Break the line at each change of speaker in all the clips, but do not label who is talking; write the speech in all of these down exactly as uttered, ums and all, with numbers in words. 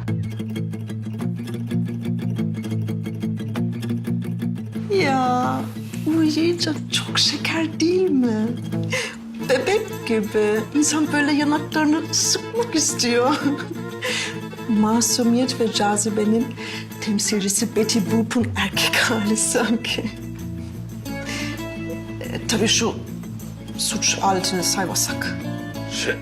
Ya uyuyunca çok şeker değil mi? Bebek gibi. İnsan böyle yanaklarını sıkmak istiyor. Masumiyet ve cazibenin temsilcisi Betty Boop'un erkek hali sanki. E, tabii şu suç aletini saymasak.
Şey...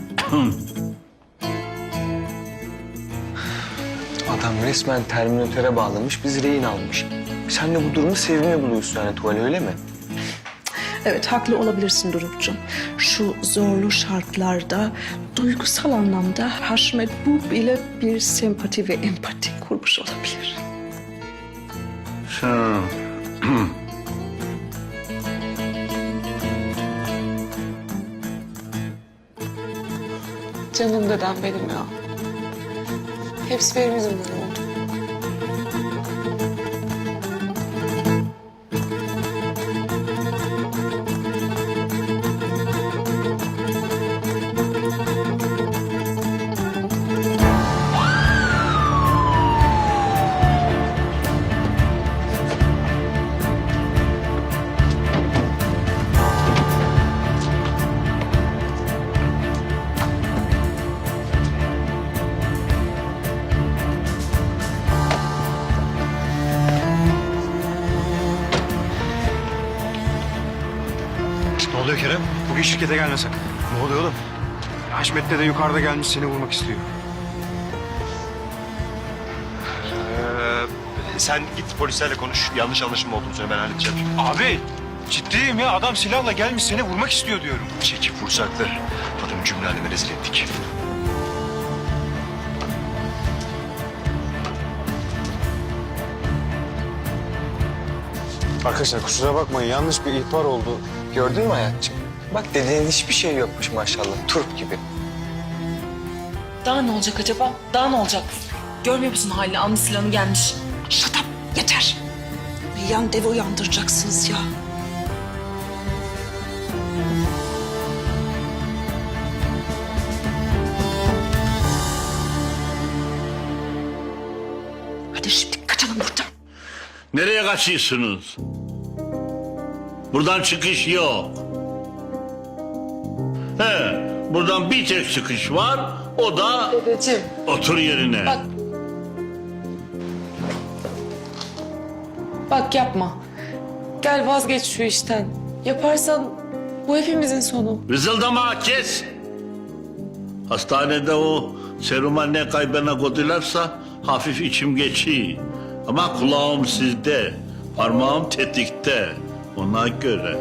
Adam resmen Terminatöre bağlamış, biz rehin almış. Sen de bu durumu sevimli buluyorsun yani Tuval, öyle mi?
Evet, haklı olabilirsin Doruk'cum. Şu zorlu şartlarda duygusal anlamda Haşmet Boop ile bir sempati ve empati kurmuş olabilir.
Hı.
Canım dedem benim ya. Hepsi benim yüzümden oldu.
Ne oluyor Kerem? Bugün şirkete gelme sakın. Ne oluyor oğlum? Haşmet de yukarıda gelmiş seni vurmak istiyor.
Ee, sen git polislerle konuş. Yanlış anlaşılma olduğunu söyle, ben halledeceğim şimdi.
Abi ciddiyim ya. Adam silahla gelmiş seni vurmak istiyor diyorum.
Çekip vursaktı. Adamı cümle aleme rezil ettik.
Arkadaşlar kusura bakmayın. Yanlış bir ihbar oldu.
Gördün mü hayatçığım? Bak dediğin hiçbir şey yokmuş maşallah, turp gibi.
Daha ne olacak acaba? Daha ne olacak? Görmüyor musun halini? Almış silahını gelmiş.
Shut up, yeter. Yan devi uyandıracaksınız ya. Hadi şimdi kaçalım buradan.
Nereye kaçıyorsunuz? Buradan çıkış yok. He, buradan bir tek çıkış var. O da
Dedeciğim.
otur yerine.
Bak. Bak yapma. Gel vazgeç şu işten. Yaparsan bu hepimizin sonu.
Vızıldama, kes. Hastanede o seruma ne kaybına koydularsa hafif içim geçiyor. Ama kulağım sizde, parmağım tetikte. Ona göre.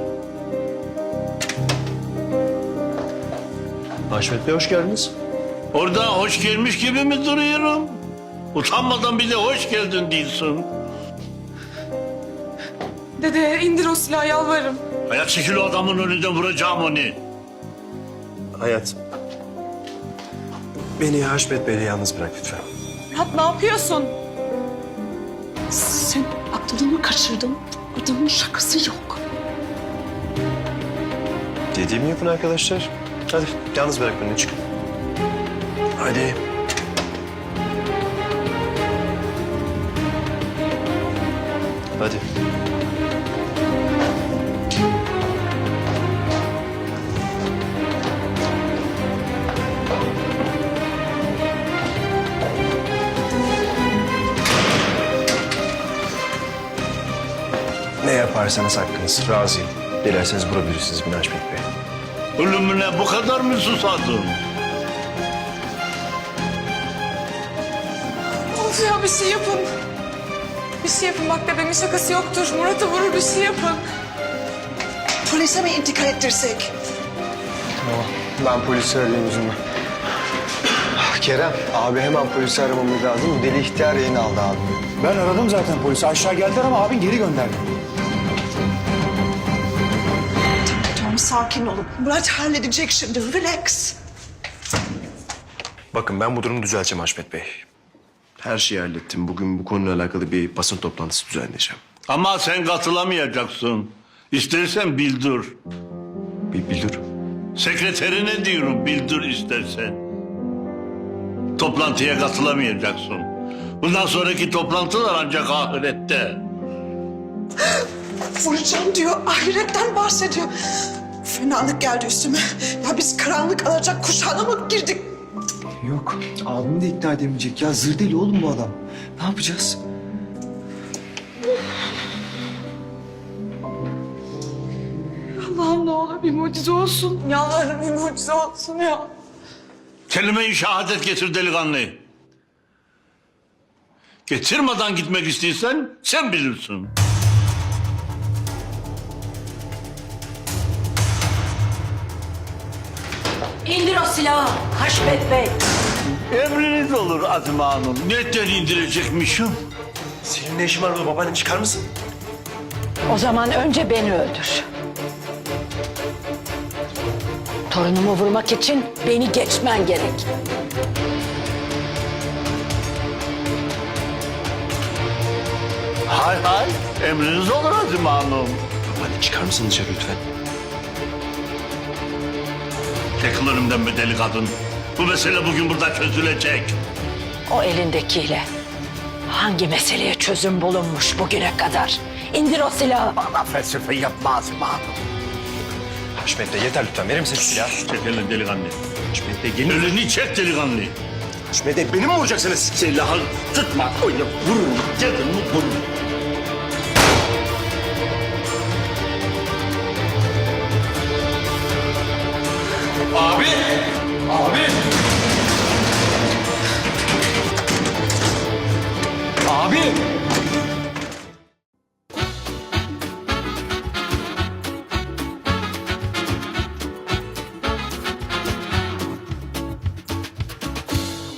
Haşmet Bey hoş geldiniz.
Orada hoş gelmiş gibi mi duruyorum? Utanmadan bir de hoş geldin diyorsun.
Dede indir o silahı yalvarırım.
Hayat çekil o adamın önünden, vuracağım onu.
Hayat. Beni Haşmet Bey'le yalnız bırak lütfen.
Murat ne yapıyorsun?
Sen aklını mı kaçırdın? Adamın şakası yok.
Dediğimi yapın arkadaşlar. Hadi yalnız bırak beni, çık. Hadi. Hadi. Ne yaparsanız hakkınız. Razıyım. Dilerseniz vurabilirsiniz beni Haşmet Bey.
Ölümüne bu kadar mı susadın?
Of ya bir şey yapın. Bir şey yapın bak dedemin şakası yoktur. Murat'ı vurur bir şey yapın.
Polise mi intikal ettirsek?
Ben polisi arayayım üzülme. Kerem, abi hemen polisi aramamız lazım. Bu deli ihtiyar rehin aldı abi.
Ben aradım zaten polisi. Aşağı geldiler ama abin geri gönderdi.
Tamam, sakin olun. Murat halledecek şimdi. Relax.
Bakın ben bu durumu düzelteceğim Haşmet Bey. Her şeyi hallettim. Bugün bu konuyla alakalı bir basın toplantısı düzenleyeceğim.
Ama sen katılamayacaksın. İstersen bildir.
Bir bildir.
Sekreterine diyorum, bildir istersen. Toplantıya katılamayacaksın. Bundan sonraki toplantılar ancak ahirette.
Vuracağım diyor, ahiretten bahsediyor. Fenalık geldi üstüme. Ya biz karanlık alacak kuşağına mı girdik?
Yok. Abimi de ikna edemeyecek ya. Zır deli oğlum bu adam. Ne yapacağız?
Allah'ım ne olur bir mucize olsun. Yalvarırım bir mucize olsun ya.
Kelime-i şehadet getir delikanlı. Getirmeden gitmek istiyorsan sen bilirsin.
İndir o silahı Haşmet Bey.
Emriniz olur Azime Hanım. Netten indirecekmişim?
Senin ne işin var burada babaanne, çıkar mısın?
O zaman önce beni öldür. Torunumu vurmak için beni geçmen gerek.
Hay hay. Emriniz olur Azime Hanım.
Babaanne çıkar mısın dışarı lütfen?
Çekil önümden be deli kadın. Bu mesele bugün burada çözülecek.
O elindekiyle hangi meseleye çözüm bulunmuş bugüne kadar? İndir o silahı.
Bana felsefe yapma Azime Hanım.
Haşmet Bey yeter lütfen, verir misin şu silahı?
Çek elini delikanlı.
Haşmet Bey gelin.
Elini çek delikanlı.
Haşmet Bey beni mi vuracaksınız?
Silahı tutma. Öyle vururum. Dedim mi vururum.